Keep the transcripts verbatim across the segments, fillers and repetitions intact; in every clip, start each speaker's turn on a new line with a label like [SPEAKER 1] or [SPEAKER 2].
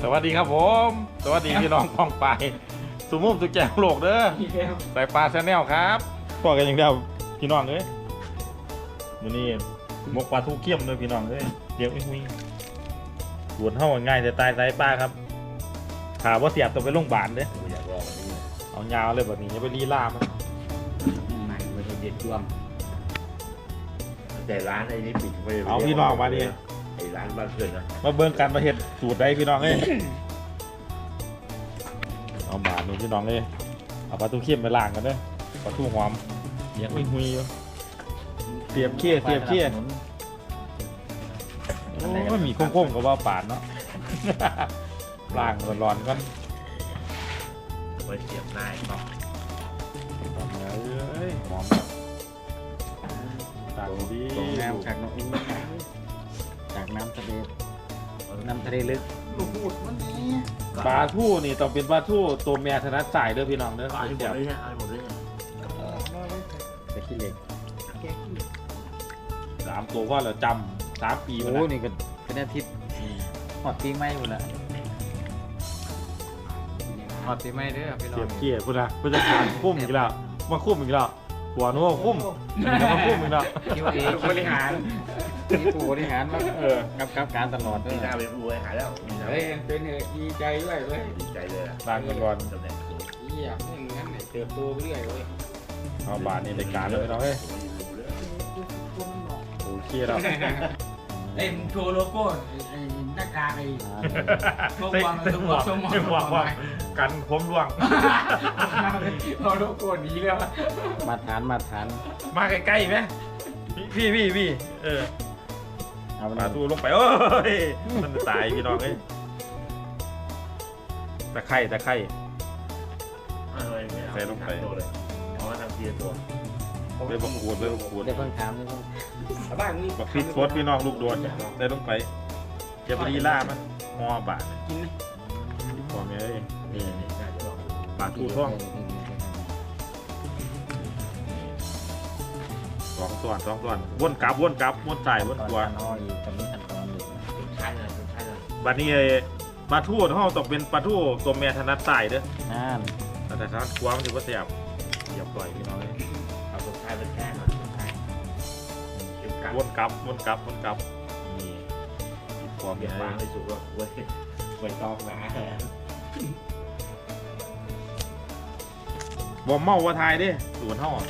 [SPEAKER 1] สวัสดีครับผมสวัสดีพี่น้องกองไปสุมุมสุแจงโลกเด้อใส่ปลาแชนแนลครับพอกันอย่างเดียวพี่น้องเอ้ยมื้อนี้หมกปลาทูเขี้ยมเลยพี่น้องเอ้ยเดี๋ยวอุ้ยหวนเท่าง่ายแต่ตายใส่ปลาครับถามว่าเสียบต้องไปโรงพยาบาลเด้อ
[SPEAKER 2] อยากลองอันนี้
[SPEAKER 1] เอายาวเลยแบบนี้อย่าไปรีล่ามัน
[SPEAKER 2] ไม่ไม่ใช่เด็ดจ้วงแต่ร้านไอ้นี่ปิดไป
[SPEAKER 1] เอาพี่น้องมาดิ
[SPEAKER 2] ไอ้ร้านบ้านเพื่อนนะ
[SPEAKER 1] มาเบิ่งกันมาเห็ดสูตรได้พี่น้องเอ้ยเอาบาทนี่พี่น้องเอ้ยเอาปลาทูเขี้ยมไปล้างกันเด้อปลาทูหอมเลี้ยงอุ้ยหุยอยู่เสียบเขี้ยเสียบเขี้ยโอ้ยมีโค้งๆกับว่าปาดเนาะ ล้างร้อนๆกัน
[SPEAKER 2] ไว้เสียบหน้าไอ้ก๊อก
[SPEAKER 1] เอ้ยหอมต่างดี
[SPEAKER 3] ตรงน้ำจากน้ำจากน้ำทะเลน้ำทะเลลึก
[SPEAKER 1] ปลาทูนี่ต้องเป็นปลาทูตัวแม่ถนัดสายเด้อพี่น้องเด้อ
[SPEAKER 2] เอาหมดเลยเนี่ยเอาหมดเลยเนี่ย
[SPEAKER 3] ตะขี้เหล็ก
[SPEAKER 1] สามตัวว่าเราจำสามปีมา
[SPEAKER 3] โอ้
[SPEAKER 1] แล้ว
[SPEAKER 3] นี่ก็เป็นอาทิตย์หอดปีใหม่หมดละหอดปีใหม่เด้อพี่น้อ
[SPEAKER 1] เสีย
[SPEAKER 3] ง
[SPEAKER 1] บเขี้ยพูดนะพูดจะการคุ้มอีกแล้วมาคุ้มอีกแล้วหัวนู้นคุ้มจะมาคุ้มอีกแล้ว
[SPEAKER 3] คิวเอบริหารนี่ผู้บริหารมา
[SPEAKER 1] เออ
[SPEAKER 3] กับกับการตลอดเด้
[SPEAKER 2] มีหน้า
[SPEAKER 3] อ
[SPEAKER 2] เป็นผู้บริหารแล้วมีหน้า
[SPEAKER 3] เฮ้ยเป็นเหตุดีใจด้วยเว้ย
[SPEAKER 2] ดีใจเลยอะ
[SPEAKER 1] ล้างกันก่อน
[SPEAKER 2] ตำแหน่งสูง
[SPEAKER 3] อยากให้งั้นเนี่ยเติบโตไปเรื่อยเว้ย
[SPEAKER 1] เอาบาทนี่ในการเลยพี่น้องเอ้ยโอ้เขี้ยแล้ว
[SPEAKER 4] เอ้ยมึงโชว์โลโก้ไอ้หน้ากากไอ้โชว์
[SPEAKER 1] เต้
[SPEAKER 4] วาง
[SPEAKER 1] เต้
[SPEAKER 4] โชว์
[SPEAKER 1] หมวก
[SPEAKER 4] โชว์หมวก
[SPEAKER 1] เต้หมวกว่ากันผมร่วง
[SPEAKER 4] เอาโลโก้หนี้แล้ว
[SPEAKER 3] มาฐานมาฐาน
[SPEAKER 1] มาใกล้ๆไหมพี่พี่พี่เออ
[SPEAKER 3] เอา
[SPEAKER 1] ปลาทูลงไปโอ้ยมันจะตายพี่น้องเอ้ยตะไคร่ตะไคร่
[SPEAKER 2] อะไรไม่เอา
[SPEAKER 1] ใส่ลงไป
[SPEAKER 2] ตัวเลยเอามาทำทีละตัว
[SPEAKER 1] เริ่มบังคูดเริ่มบังคูด
[SPEAKER 3] ได้เพิ่งถามได้เพิ่ง
[SPEAKER 4] บ้านนี้
[SPEAKER 1] บักพริกสดพี่น้องลูกโดนใส่ลงไปเจะไปดีล่ามันหม้อบาท
[SPEAKER 4] กินไหม
[SPEAKER 1] พอไหมเอ้ย
[SPEAKER 2] นี่นี่น่าจะลอง
[SPEAKER 1] ปลาทูท่องสองส่วนสองส่วนวนกลับวนกลับวนใส่วน
[SPEAKER 3] ตอน
[SPEAKER 1] ตัว
[SPEAKER 3] การอ้อยตอนนี้ขั้นตอนอยู่
[SPEAKER 2] สุดท้ายเลยสุดท้ายเลย
[SPEAKER 1] บัดนี้ไอ้ปลาทูเขาต้องเป็นปลาทูตัวแม่ถนัดใส่เด้อ
[SPEAKER 3] นั่น
[SPEAKER 1] แต่ถนัดขวามันถือว่าเสียบเสียบปล่อยพี่น้องเอ้ย
[SPEAKER 2] เอาสุดท้ายเป็นแค่หน่อยสุดท้ายเก็บกัด
[SPEAKER 1] วนกลับวนกลับวนกลับนี่พอ
[SPEAKER 2] เก็
[SPEAKER 1] มี
[SPEAKER 2] บ
[SPEAKER 1] อะไร
[SPEAKER 2] วางให้สุกแล้วไว้ไว้ตอกหนา
[SPEAKER 1] บ่เมาว่าทายดิศูนย์เท่าอะ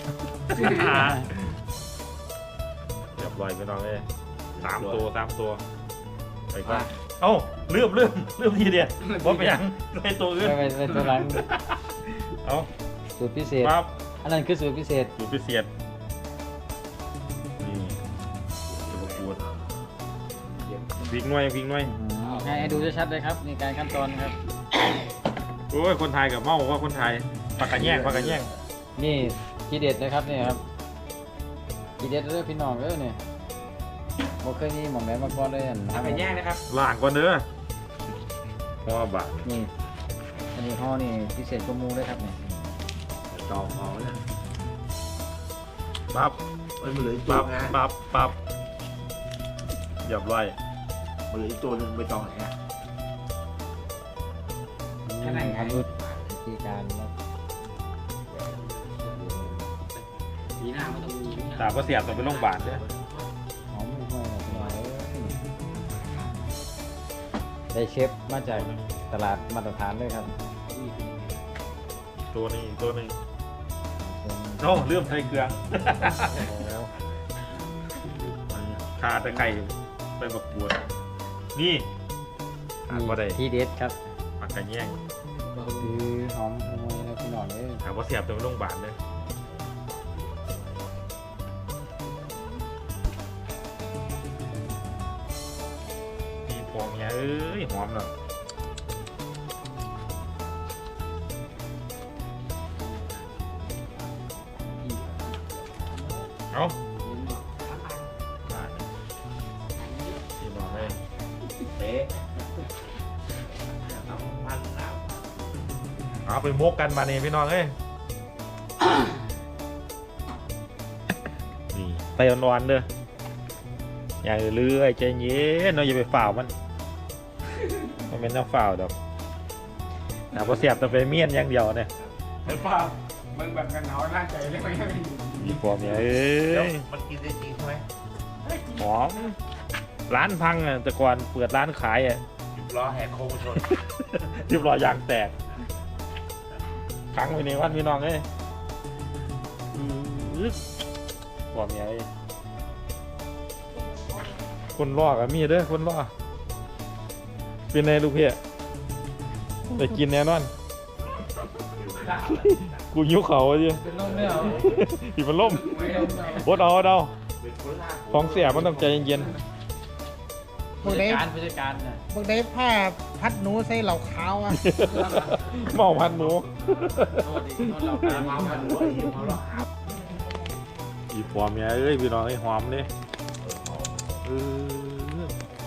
[SPEAKER 1] เรียบร้อยพี่น้องเอ้ยสามตัวสามตัวไปก่อนเอ้าลืมลืมลืมทีเดียวบ่ไปยังไปตัวอื่น
[SPEAKER 3] ไม่เป็นตัวหลัง
[SPEAKER 1] เอ้า
[SPEAKER 3] สูตรพิเศษ
[SPEAKER 1] ปั๊บ
[SPEAKER 3] อันนั้นคือสูตรพิเศษ
[SPEAKER 1] สูตรพิเศษนี่จะประกวดพริกหน่วยพริกหน่วย
[SPEAKER 3] ให้ให้ดูชัดๆเลยครับในการขั้นตอนครับ
[SPEAKER 1] โอ้ยคนไทยกับเมาว่าคนไทยปากกระแยงปากกระแยง
[SPEAKER 3] นี่ทีเด็ดเลยครับนี่ครับทีเด็ดเรื่องพี่น้องเด้อเนี่ยบ่เคยมีหม่องไหนมาก่อนเลยอัน
[SPEAKER 4] ทำเป็นแย่งนะครับ
[SPEAKER 1] ล่างก่อนเด้อหัวบาท
[SPEAKER 3] นี่อันนี้ห่อนี่พิเศษกว่าหมูเลยครับนี่
[SPEAKER 2] ตอกเอาเนี่ย
[SPEAKER 1] ปั๊บ
[SPEAKER 2] มันเหลืออีกตัว
[SPEAKER 1] ปั๊บ
[SPEAKER 2] นะ
[SPEAKER 1] ปั๊บปั๊บเรียบร้อย
[SPEAKER 2] มันเหลืออีกตัวหนึงไปตอกไหนอ่ะ
[SPEAKER 4] แค่ไหนไง
[SPEAKER 3] ดูวิธีการแล้ว
[SPEAKER 4] ปีหน้าไม่ต้องมี
[SPEAKER 1] ตาก็เสียบต้องไปโรงพยาบาลเด้อ
[SPEAKER 3] หอมห่วยๆหน่อยได้เชฟมาจากตลาดมาตรฐานเลยครับ
[SPEAKER 1] ตัวนี้ตัวหนึง
[SPEAKER 3] ส่วน
[SPEAKER 1] โอ้เริ่มใส่เครื่อง
[SPEAKER 3] โอ้โห
[SPEAKER 1] คาตะไคร้ไปประกวดนี่ขาดบ่ได้
[SPEAKER 3] ทีเด็ดครับ
[SPEAKER 1] ปากกระแยง
[SPEAKER 3] คือหอมห่วยแล้วพี่น้องเลย
[SPEAKER 1] ถามว่าเสียบต้องไปโรงพยาบาลเด้อนี่พอเมียเอ้ยหอมเนาะเอาพี่บอกเลย
[SPEAKER 2] เป๊ะเอาพันแล้ว
[SPEAKER 1] เอาไปมกกันมาเนี่ยพี่น้องเอ้ย นี่ไปนอนๆเด้ออย่าเรื่อยใจเย็นเนาะอย่าไปฝ่าวมันมันเป็นน้ำเปล่าดอกน้ำพอเสียบแต่เป็นเมียนอย่างเดียวเนี่ย
[SPEAKER 4] เห็นป่ะมึงแบบกันหนาวร่างใจเลยไม่ใช่
[SPEAKER 1] มีพวกเนี่ยเอ้
[SPEAKER 2] เดี๋ยวย มันกินได้จริงใช่ไหม
[SPEAKER 1] หอมร้านพังอ่ะแต่ก่อนเปิดร้านขายอ่ะ
[SPEAKER 2] หยุดล้อแหกโค้งชน
[SPEAKER 1] เรียบร้อยยางแตกขังไว้ในวันพี่น้องเอ้ยอื้อพวกเนี่ยคนล่อกับมีเด้อคนล่อเป็นไงลูกเพี่ไปกินแน่นอน กูยิ้วเขาดิ
[SPEAKER 3] เป็นลมเนี่ยเหรอ
[SPEAKER 1] อีมันล่มบดเอาเอาเอาของเสียมันต้องใจเย็น
[SPEAKER 3] ผู้จัดการผู้จัดการน่ะ
[SPEAKER 5] บางได้ผ้าพัดหนูใส่เหล่าขาวอ่ะ
[SPEAKER 1] ๆเมาพันหมู
[SPEAKER 3] โทษดิโทษเราการมาพันหัวอีกเขาหรอก
[SPEAKER 1] อีพอมเนี่ยเอ้ยพี่น้องไอ้หอมเลยเออ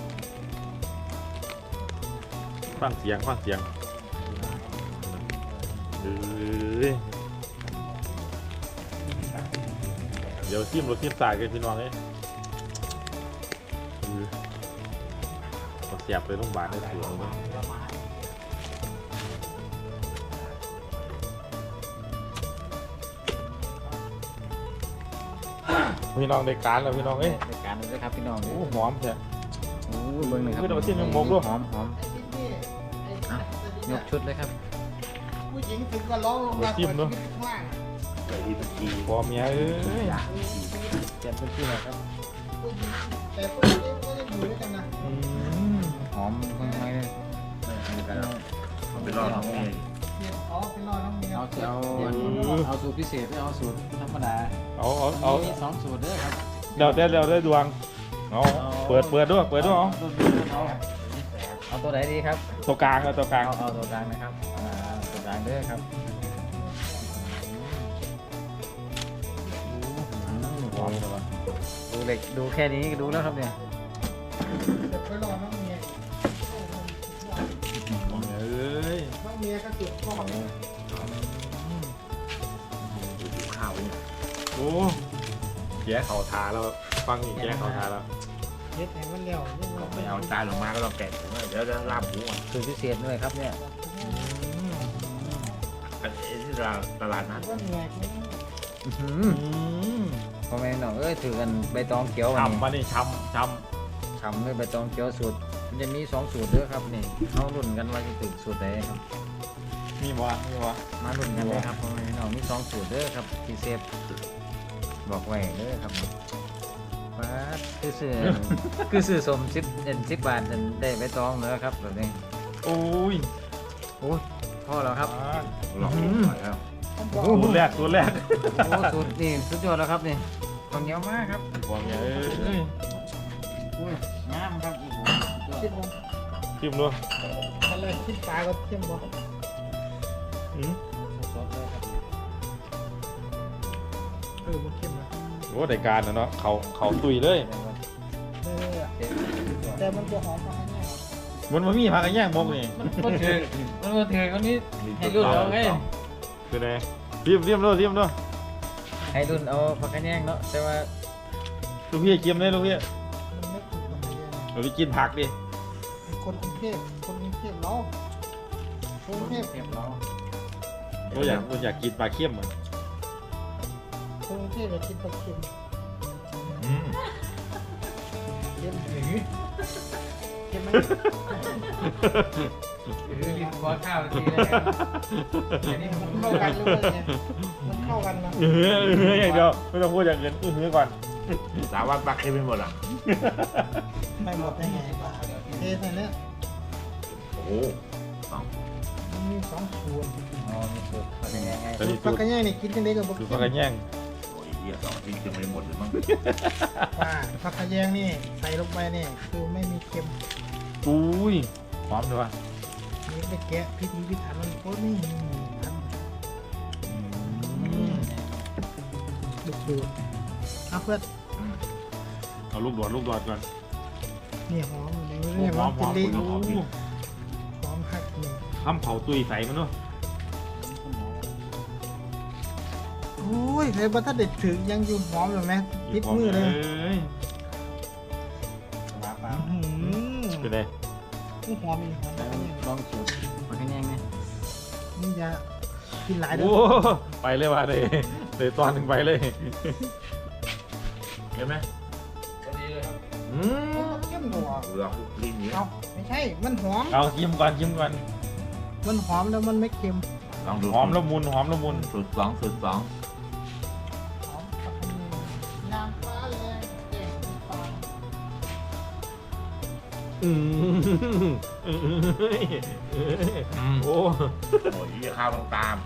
[SPEAKER 1] ฟังเสียงฟังเสียงเอ้ยเดี๋ยวซิมรถซิมสายกันพี่น้องเอ้ยเออเอาเสียบไปโรงพยาบาลได้สวยเลยพี่น้องได้การแล้วพี่น้องเอ้ย
[SPEAKER 3] จัดการเลยครับพี่น้อง
[SPEAKER 1] โอ้หอมแท้
[SPEAKER 3] โอ้เบิ้งเลยครับ
[SPEAKER 1] คือเราเส้นยังมกด้วย
[SPEAKER 3] หอมหอมยกชุดเลยครับ
[SPEAKER 5] ผู้หญิงถึงก็ร้องลงมาเปิดชีวิตข้างล่าง
[SPEAKER 2] ไปที่ตะกี้
[SPEAKER 1] พอเมียเอ้ย
[SPEAKER 3] เจ็บเป็นที่ไหนครับ
[SPEAKER 5] ผู้หญิงแต่ผู้หญิงก็ยังอยู่ด้วยกันนะ
[SPEAKER 1] อืม
[SPEAKER 3] หอมค่อนข้างเลย
[SPEAKER 2] มันเป็นรอบของเมีย
[SPEAKER 5] เมียอ๋อเป็นรอน้องเมีย
[SPEAKER 3] เอาเอาเอาสูตรพิเศษไม่เอาสูตรธรรมดา
[SPEAKER 1] เอาเอาเอา
[SPEAKER 3] มีสองสูตรเด้อครับ
[SPEAKER 1] เดี๋ยวเดี๋ยวเดี๋ยวได้ดวงเอาเปิดเปิดด้วยเปิดด้วยเอา
[SPEAKER 3] เอาเอาตัวไหนดีครับ
[SPEAKER 1] ตัวกลางเอาตัวกลาง
[SPEAKER 3] เอาเอาตัวกลางนะครับอ่าตัวกลางเด้อครับ
[SPEAKER 1] หอมเลยวะ
[SPEAKER 3] ดูเหล็กดูแค่นี้ก็ดูแล้วครับเนี่ย
[SPEAKER 5] เดี๋ยวไปรอน้องเมีย
[SPEAKER 1] พอเมียเอ้ย
[SPEAKER 5] น้องเมียก็จุดก้อนเนี่ย
[SPEAKER 2] ดูข้าวเนี่ย
[SPEAKER 1] โอ้แย่เข่าทาแล้วฟังอีกแย่เข่าทาแล้ว
[SPEAKER 5] เฮ็ดให้มันเร็วยัง
[SPEAKER 2] เขาไม่เอาจานลงมาก็ต้องแกะถุงเดี๋ยวจะลาบหมูอ่ะ
[SPEAKER 3] สูตรพิเศษด้วยครับเนี่ย
[SPEAKER 2] อันนี้ที่เราตลาดนัด
[SPEAKER 5] ว่าเหนื่อย
[SPEAKER 3] อื้อหือ
[SPEAKER 1] อืม
[SPEAKER 3] พ่อแม่น้องเอ้ยถือกันใบตองเขียววัน
[SPEAKER 1] ช้ำ
[SPEAKER 3] นี้
[SPEAKER 1] มานี่ช้ำช้
[SPEAKER 3] ฉ่ำด้วยใบตองเขียวสูตรมันจะมีสองสูตรเด้อครับนี่เอารุ่นกันว่าจะถึงสูตรไหนครับ
[SPEAKER 1] ำมีวะมีวะ
[SPEAKER 3] มารุ่นกันเลยครับพ่อแม่น้องมีสองสูตรเด้อครับที่เซฟบอกไว้เด้อครับว้าดคือซื้อ คือซื้อสมสิบเอ็นสิบบาทนั่นได้ใบตองเด้อครับแบบนี้
[SPEAKER 1] โอ้ย
[SPEAKER 3] โอ้ยพอแล้วครับ
[SPEAKER 1] อ่า
[SPEAKER 2] หลอกหน่อยแล้ว
[SPEAKER 1] ตัวแรกตัวแรก
[SPEAKER 3] โอ้สูตรนี่สุดยอดแล้วครับนี่ข้าวเหนียวมากครับ
[SPEAKER 1] พอเมียเอ้ย
[SPEAKER 3] อุ้ยงามครับโอ้โหสุดยอด
[SPEAKER 5] คิดว่า
[SPEAKER 1] ชิมด้วย
[SPEAKER 5] มันเลยคิดปลาก็เข้มบ่
[SPEAKER 1] อืม
[SPEAKER 3] สดๆเลยครับ
[SPEAKER 5] เออมันเข้มนะ
[SPEAKER 1] โอ้ได้การนะเนาะเขาเขาตุยเลย
[SPEAKER 5] เออ
[SPEAKER 3] เด็ดสุดยอด
[SPEAKER 5] แต่มันบ่หอมมากแน่
[SPEAKER 1] มันมามีพักกันแย่งมกนี่
[SPEAKER 3] มันก็ถือมันก็ถือคนนี้ให้รุ่นเอาไง
[SPEAKER 1] คือไงเรียมเรียมด้วยเรียมด้วย
[SPEAKER 3] ให้รุ่นเอาผักกระแยงเนาะแต่ว่า
[SPEAKER 1] ลูกพี่เกียมเลยลูกพี่
[SPEAKER 5] มันไม่ถูกกับมันเลย
[SPEAKER 1] เราไปกินผักดิ
[SPEAKER 5] คนกรุงเทพคนกรุงเทพเนาะคนกรุงเทพ
[SPEAKER 3] เทียบเรา
[SPEAKER 1] เราอยากเราอยากกินปลาเค็มเหมือน
[SPEAKER 5] คนกรุงเทพอยากกินปลาเค็ม
[SPEAKER 1] อืม
[SPEAKER 5] เค็มหรือเค็มไหม
[SPEAKER 3] คือกินขอข้าวทีเลยอันนี้ผม
[SPEAKER 5] เข้ากันหรือว่าไงมันเข้ากันนะ
[SPEAKER 1] เออเอออย่างเดียวไม่ต้องพูดอย่างอื่นอื้อหือก่อน
[SPEAKER 2] สาวว่าปักให้เป็นหมดอ่ะ
[SPEAKER 5] ไม่หมดได้ไงเทใส่เนี่ย
[SPEAKER 2] โอ้โห
[SPEAKER 5] มันมีสองส่วน
[SPEAKER 3] อ๋อมีสูตรผักกระแยงไง
[SPEAKER 1] ตอนนี้
[SPEAKER 5] ปลา
[SPEAKER 1] สูตร
[SPEAKER 5] กระแยงนี่กินกันได้กับบุก
[SPEAKER 1] สูตรปลากระแยง
[SPEAKER 2] โอ้ยเหี้ยสองทิ้งจะไม่หมดหรือมั้ง
[SPEAKER 5] ว่าปลากระแยงนี่ใส่ลงไปนี่คือไม่มีเค็ม
[SPEAKER 1] อุ้ยหอมเลยวะ
[SPEAKER 5] นี่ไปแกะพิธีพิถันมันโคตรนี่ทำดุดุเอาเพื่อน
[SPEAKER 1] เอาลูกดอดลูกดอดก่อน
[SPEAKER 5] นี่หอมเลยนี่หอมเป็นดี
[SPEAKER 1] หอม
[SPEAKER 5] หอมหักนี่
[SPEAKER 1] ทำเผาตุยใส่มันเนาะ
[SPEAKER 5] โอ้ยเลยบัถ้าเด็ดถึงยังอยู่หอมอยู่ไหมพิดมือเลย
[SPEAKER 1] อ้ย
[SPEAKER 3] ปลาปลา
[SPEAKER 5] อื้อหือ
[SPEAKER 1] เป็นไง
[SPEAKER 5] นี่หอมอีกหอม
[SPEAKER 3] แล้ว
[SPEAKER 5] อันนี้
[SPEAKER 3] ลองสูตรมาให้แน่ไง
[SPEAKER 5] นี่จะกินหลายเด้
[SPEAKER 1] โอ้
[SPEAKER 5] อ
[SPEAKER 1] ไปเลยว่ะเลยเลยตอนหนึ่งไปเลย เห็นไหม
[SPEAKER 4] พอดีเลยครับ
[SPEAKER 1] อืม
[SPEAKER 5] เข้มกว่า
[SPEAKER 2] เปลือกลิ้นนี้
[SPEAKER 5] เอาไม่ใช่ มันหอม
[SPEAKER 1] เอาชิมก่อนชิมก่อน
[SPEAKER 5] มันหอมแล้วมันไม่เค็ม
[SPEAKER 2] ลองดู
[SPEAKER 1] หอมละมุนหอมละมุน
[SPEAKER 2] สูตรสองสูตรสอง
[SPEAKER 5] หอมกับอันนี้น้ำฟ้าแรงแจ่มฟ้า
[SPEAKER 1] อืมอืมโอ้
[SPEAKER 2] โอ้ยข้าวต้องตาม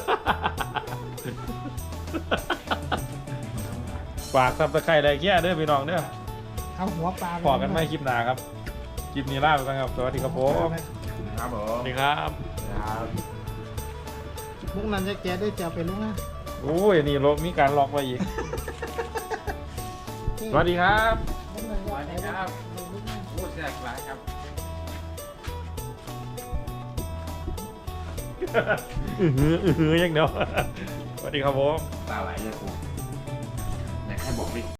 [SPEAKER 1] ฝากซับสไครต์ได้แค่เด้อพี่น้องเด้อ
[SPEAKER 5] เอาหัวปลา
[SPEAKER 1] พอกันไม่คลิปหน้าครับ คลิปนี้ลาไปก่อนครับ สวัสดีครับผม
[SPEAKER 2] ครับผ
[SPEAKER 1] สวั
[SPEAKER 2] ม
[SPEAKER 1] สดีครับ
[SPEAKER 2] ครับ
[SPEAKER 5] มุกนั้นจะแกะได้จะเอาไปลุงนะ
[SPEAKER 1] โอ้ยนี่ลบมีการล็อกไว้อีก สวัสดีครับ
[SPEAKER 5] มุกนั้นจะ
[SPEAKER 4] สวัส
[SPEAKER 5] เอา
[SPEAKER 4] ดี
[SPEAKER 5] ไป
[SPEAKER 4] ครับ
[SPEAKER 5] ลุงนะ
[SPEAKER 4] โอ้แซ่บหลายครับ
[SPEAKER 1] อือหืออือหืออย่างเดียว สวัสดีครับผม
[SPEAKER 2] ตาไหลเลยกูไหนใครบอกดิ